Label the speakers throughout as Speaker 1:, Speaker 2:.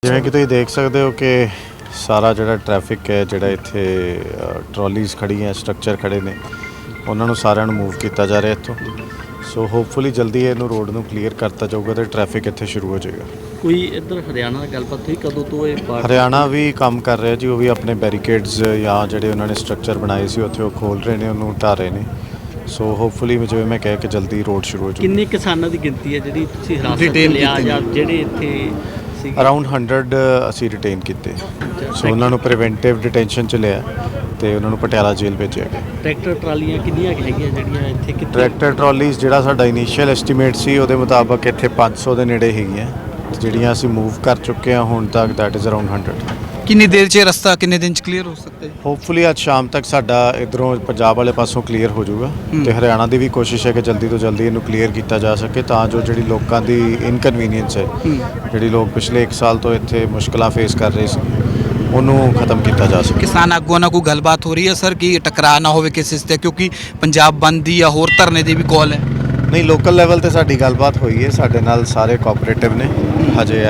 Speaker 1: ਜਿਵੇਂ ਕਿ ਤੁਸੀਂ ਦੇਖ ਸਕਦੇ ਹੋ ਕਿ ਸਾਰਾ ਜਿਹੜਾ ਟ੍ਰੈਫਿਕ ਹੈ, ਜਿਹੜਾ ਇੱਥੇ ਟਰਾਲੀਜ਼ ਖੜੀਆਂ, ਸਟਰਕਚਰ ਖੜੇ ਨੇ, ਉਹਨਾਂ ਨੂੰ ਸਾਰਿਆਂ ਨੂੰ ਮੂਵ ਕੀਤਾ ਜਾ ਰਿਹਾ ਇੱਥੋਂ। ਸੋ ਹੋਪਫੁਲੀ ਜਲਦੀ ਇਹਨੂੰ ਰੋਡ ਨੂੰ ਕਲੀਅਰ ਕਰਤਾ ਜਾਊਗਾ ਤੇ ਟ੍ਰੈਫਿਕ ਇੱਥੇ ਸ਼ੁਰੂ ਹੋ ਜਾਏਗਾ।
Speaker 2: ਕੋਈ ਇੱਧਰ ਹਰਿਆਣਾ ਨਾਲ ਗੱਲਬਾਤ ਹੋਈ ਕਦੋਂ ਤੋਂ ਇਹ
Speaker 1: ਹਰਿਆਣਾ ਵੀ ਕੰਮ ਕਰ ਰਿਹਾ ਜੀ, ਉਹ ਵੀ ਆਪਣੇ ਬੈਰੀਕੇਡਸ ਜਾਂ ਜਿਹੜੇ ਉਹਨਾਂ ਨੇ ਸਟਰਕਚਰ ਬਣਾਏ ਸੀ ਉੱਥੇ ਉਹ ਖੋਲ੍ਹ ਰਹੇ ਨੇ, ਉਹਨੂੰ ਢਾਹ ਰਹੇ ਨੇ। ਸੋ ਹੋਪਫੁਲੀ ਜਿਵੇਂ ਮੈਂ ਕਹਿ ਕਿ ਜਲਦੀ ਰੋਡ ਸ਼ੁਰੂ ਹੋ ਜਾਊਗਾ।
Speaker 2: ਕਿੰਨੇ ਕਿਸਾਨਾਂ ਦੀ ਗਿਣਤੀ ਹੈ ਜਿਹੜੀ ਤੁਸੀਂ ਹਿਰਾਸਤ 'ਚ ਲਿਆ ਜਾਂ ਜਿਹੜੇ ਇੱਥੇ ਸੀ?
Speaker 1: ਅਰਾਊਂਡ 100 ਅਸੀਂ ਰਿਟੇਨ ਕੀਤੇ। ਸੋ ਉਹਨਾਂ ਨੂੰ ਪ੍ਰੀਵੈਂਟਿਵ ਡਿਟੈਂਸ਼ਨ 'ਚ ਲਿਆ ਤੇ ਉਹਨਾਂ ਨੂੰ ਪਟਿਆਲਾ ਜੇਲ੍ਹ ਭੇਜਿਆ ਗਿਆ।
Speaker 2: ਟਰੈਕਟਰ ਟਰਾਲੀਆਂ ਕਿੰਨੀਆਂ ਹੈਗੀਆਂ ਜਿਹੜੀਆਂ ਇੱਥੇ?
Speaker 1: ਟਰੈਕਟਰ ਟਰਾਲੀਜ਼ ਜਿਹੜਾ ਸਾਡਾ ਇਨੀਸ਼ੀਅਲ ਐਸਟੀਮੇਟ ਸੀ ਉਹਦੇ ਮੁਤਾਬਕ ਇੱਥੇ 500 ਦੇ ਨੇੜੇ ਹੈਗੀਆਂ, ਜਿਹੜੀਆਂ ਅਸੀਂ ਮੂਵ ਕਰ ਚੁੱਕੇ ਹਾਂ ਹੁਣ ਤੱਕ, ਦੈਟ ਇਜ਼ ਅਰਾਊਂਡ 100।
Speaker 3: ਕਿੰਨੀ ਦੇਰ 'ਚ ਰਸਤਾ ਕਿੰਨੇ ਦਿਨ 'ਚ ਕਲੀਅਰ ਹੋ ਸਕਦਾ ਹੈ?
Speaker 1: ਹੋਪਫੁਲੀ ਅੱਜ ਸ਼ਾਮ ਤੱਕ ਸਾਡਾ ਇਧਰੋਂ ਪੰਜਾਬ ਵਾਲੇ ਪਾਸੋਂ ਕਲੀਅਰ ਹੋ ਜਾਊਗਾ ਤੇ ਹਰਿਆਣਾ ਦੀ ਵੀ ਕੋਸ਼ਿਸ਼ ਹੈ ਕਿ ਜਲਦੀ ਤੋਂ ਜਲਦੀ ਇਹਨੂੰ ਕਲੀਅਰ ਕੀਤਾ ਜਾ ਸਕੇ, ਤਾਂ ਜੋ ਜਿਹੜੀ ਲੋਕਾਂ ਦੀ ਇਨਕਨਵੀਨੀਅੰਸ ਹੈ, ਜਿਹੜੀ ਲੋਕ ਪਿਛਲੇ 1 ਸਾਲ ਤੋਂ ਇੱਥੇ ਮੁਸ਼ਕਲਾਂ ਫੇਸ ਕਰ ਰਹੇ ਸੀ, ਉਹਨੂੰ ਖਤਮ ਕੀਤਾ ਜਾ ਸਕੇ।
Speaker 3: ਕਿਸਾਨ ਆਗੂਆਂ ਨਾਲ ਕੋਈ ਗੱਲਬਾਤ ਹੋ ਰਹੀ ਹੈ ਸਰ ਕਿ ਟਕਰਾਅ ਨਾ ਹੋਵੇ ਕਿਸੇ 'ਤੇ, ਕਿਉਂਕਿ ਪੰਜਾਬ ਬੰਦ ਦੀ ਜਾਂ ਹੋਰ ਧਰਨੇ ਦੀ ਵੀ ਕਾਲ ਹੈ?
Speaker 1: ਨਹੀਂ, ਲੋਕਲ ਲੈਵਲ ਤੇ ਸਾਡੀ ਗੱਲਬਾਤ ਹੋਈ ਹੈ, ਸਾਡੇ ਨਾਲ ਸਾਰੇ ਕੋਆਪਰੇਟਿਵ ਨੇ ਹਜੇ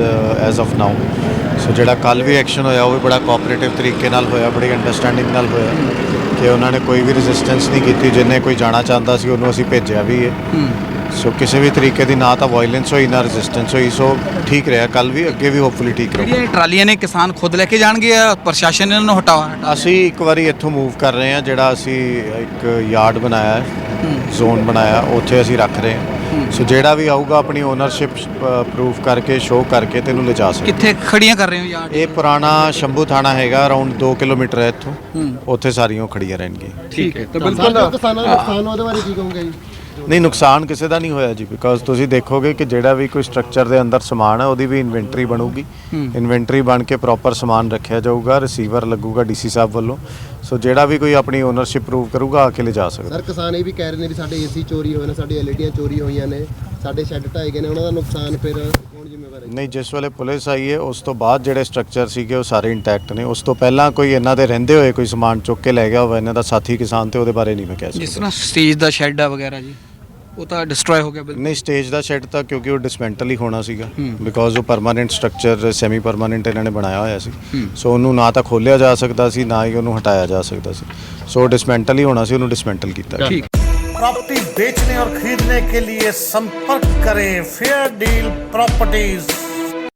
Speaker 1: ਐਜ਼ ਆਫ ਨਾਓ। ਸੋ ਜਿਹੜਾ ਕੱਲ੍ਹ ਵੀ ਐਕਸ਼ਨ ਹੋਇਆ ਉਹ ਵੀ ਬੜਾ ਕੋਆਪਰੇਟਿਵ ਤਰੀਕੇ ਨਾਲ ਹੋਇਆ, ਬੜੀ ਅੰਡਰਸਟੈਂਡਿੰਗ ਨਾਲ ਹੋਇਆ ਕਿ ਉਹਨਾਂ ਨੇ ਕੋਈ ਵੀ ਰੈਜ਼ਿਸਟੈਂਸ ਨਹੀਂ ਕੀਤੀ। ਜਿੰਨੇ ਕੋਈ ਜਾਣਾ ਚਾਹੁੰਦਾ ਸੀ ਉਹਨੂੰ ਅਸੀਂ ਭੇਜਿਆ ਵੀ ਹੈ। ਸੋ ਕਿਸੇ ਵੀ ਤਰੀਕੇ ਦੀ ਨਾ ਤਾਂ ਵਾਇਲੈਂਸ ਹੋਈ ਨਾ ਰੈਜ਼ਿਸਟੈਂਸ ਹੋਈ। ਸੋ ਠੀਕ ਰਿਹਾ ਕੱਲ੍ਹ ਵੀ, ਅੱਗੇ ਵੀ ਹੋਪਫੁਲੀ ਠੀਕ ਰਹੂਗਾ।
Speaker 3: ਜਿਹੜੀਆਂ ਟਰਾਲੀਆਂ ਨੇ ਕਿਸਾਨ ਖੁਦ ਲੈ ਕੇ ਜਾਣਗੇ ਜਾਂ ਪ੍ਰਸ਼ਾਸਨ ਇਹਨਾਂ ਨੂੰ ਹਟਾਵਾ?
Speaker 1: ਅਸੀਂ ਇੱਕ ਵਾਰੀ ਇੱਥੋਂ ਮੂਵ ਕਰ ਰਹੇ ਹਾਂ, ਜਿਹੜਾ ਅਸੀਂ ਇੱਕ ਯਾਰਡ ਬਣਾਇਆ ਹੈ, ਜ਼ੋਨ ਬਣਾਇਆ, ਉੱਥੇ ਅਸੀਂ ਰੱਖ ਰਹੇ ਹਾਂ। ਸੋ ਜਿਹੜਾ ਵੀ ਆਊਗਾ ਆਪਣੀ ਓਨਰਸ਼ਿਪ ਪ੍ਰੂਫ ਕਰਕੇ, ਸ਼ੋਅ ਕਰਕੇ ਤੇ ਇਹਨੂੰ ਲਿਜਾ ਸਕਦੇ।
Speaker 3: ਕਿੱਥੇ ਖੜੀਆਂ ਕਰ ਰਹੇ ਹੋ ਯਾਰ?
Speaker 1: ਇਹ ਪੁਰਾਣਾ ਸ਼ੰਭੂ ਥਾਣਾ ਹੈਗਾ, ਅਰਾਊਂਡ 2 ਕਿਲੋਮੀਟਰ ਹੈ ਇੱਥੋਂ, ਉੱਥੇ ਸਾਰੀਆਂ ਖੜੀਆਂ ਰਹਿਣਗੀਆਂ।
Speaker 3: ਠੀਕ ਹੈ, ਤਾਂ
Speaker 4: ਕਿਸਾਨਾਂ ਦਾ ਨੁਕਸਾਨ ਉਹਦੇ ਬਾਰੇ ਕੀ ਕਹੋਗੇ ਜੀ?
Speaker 1: ਨਹੀਂ, ਨੁਕਸਾਨ ਕਿਸੇ ਦਾ ਨਹੀਂ ਹੋਇਆ ਜੀ, ਬਿਕੋਜ਼ ਤੁਸੀਂ ਦੇਖੋਗੇ ਕਿ ਜਿਹੜਾ ਵੀ ਕੋਈ ਸਟਰਕਚਰ ਦੇ ਅੰਦਰ ਸਮਾਨ ਹੈ ਉਹਦੀ ਵੀ ਇਨਵੈਂਟਰੀ ਬਣੂਗੀ। ਇਨਵੈਂਟਰੀ ਬਣ ਕੇ ਪ੍ਰੋਪਰ ਸਮਾਨ ਰੱਖਿਆ ਜਾਊਗਾ, ਰਿਸੀਵਰ ਲੱਗੂਗਾ ਡੀਸੀ ਸਾਹਿਬ ਵੱਲੋਂ। ਸੋ ਜਿਹੜਾ ਵੀ ਕੋਈ ਆਪਣੀ ਓਨਰਸ਼ਿਪ ਪ੍ਰੂਵ ਕਰੂਗਾ ਆ ਕੇ ਲਿਜਾ ਸਕਦਾ।
Speaker 4: ਸਰ, ਕਿਸਾਨ ਇਹ ਵੀ ਕਹਿ ਰਹੇ ਨੇ ਵੀ ਸਾਡੇ ਏਸੀ ਚੋਰੀ ਹੋਏ ਨੇ, ਸਾਡੀ ਐਲਈਡੀਆਂ ਚੋਰੀ ਹੋਈਆਂ ਨੇ, ਸਾਡੇ ਸ਼ੈੱਡ ਢਾਏ ਗਏ ਨੇ, ਉਹਨਾਂ ਦਾ ਨੁਕਸਾਨ ਫਿਰ ਕੌਣ ਜ਼ਿੰਮੇਵਾਰ ਹੈ?
Speaker 1: ਨਹੀਂ, ਜਿਸ ਵੇਲੇ ਪੁਲਿਸ ਆਈ ਹੈ ਉਸ ਤੋਂ ਬਾਅਦ ਜਿਹੜੇ ਸਟਰਕਚਰ ਸੀਗੇ ਉਹ ਸਾਰੇ ਇੰਟੈਕਟ ਨੇ। ਉਸ ਤੋਂ ਪਹਿਲਾਂ ਕੋਈ ਇਹਨਾਂ ਦੇ ਰਹਿੰਦੇ ਹੋਏ ਕੋਈ ਸਮਾਨ ਚੁੱਕ ਕੇ ਲੈ ਗਿਆ ਹੋਵੇ ਇਹਨਾਂ ਦਾ ਸਾਥੀ ਕਿਸਾਨ, ਤੇ ਉਹਦੇ ਬਾਰੇ ਨਹੀਂ ਮੈਂ ਕਹਿ
Speaker 3: ਜਿਸ
Speaker 1: ਸਕਦਾ।
Speaker 3: ਤਰ੍ਹਾਂ ਸਟੇਜ ਦਾ ਸ਼ੈੱਡ ਆ ਵਗੈਰਾ ਜੀ, ਉਹ ਤਾਂ ਡਿਸਟਰੋਏ ਹੋ ਗਿਆ ਬਿਲਕੁਲ?
Speaker 1: ਨਹੀਂ, ਸਟੇਜ ਦਾ ਸ਼ੈੱਡ ਤਾਂ ਕਿਉਂਕਿ ਉਹ ਡਿਸਮੈਂਟਲ ਹੀ ਹੋਣਾ ਸੀਗਾ, ਬਿਕੋਜ਼ ਉਹ ਪਰਮਾਨੈਂਟ ਸਟਰਕਚਰ ਸੈਮੀ ਪਰਮਾਨੈਂਟ ਇਹਨਾਂ ਨੇ ਬਣਾਇਆ ਹੋਇਆ ਸੀ। ਸੋ ਉਹਨੂੰ ਨਾ ਤਾਂ ਖੋਲ੍ਹਿਆ ਜਾ ਸਕਦਾ ਸੀ, ਨਾ ਹੀ ਉਹਨੂੰ ਹਟਾਇਆ ਜਾ ਸਕਦਾ ਸੀ। ਸੋ ਡਿਸਮੈਂਟਲ ਹੀ ਹੋਣਾ ਸੀ, ਉਹਨੂੰ ਡਿਸਮੈਂਟਲ ਕੀਤਾ।
Speaker 3: ਠੀਕ।
Speaker 5: प्रॉपर्टी बेचने और खरीदने के लिए संपर्क करें फेयर डील प्रॉपर्टीज।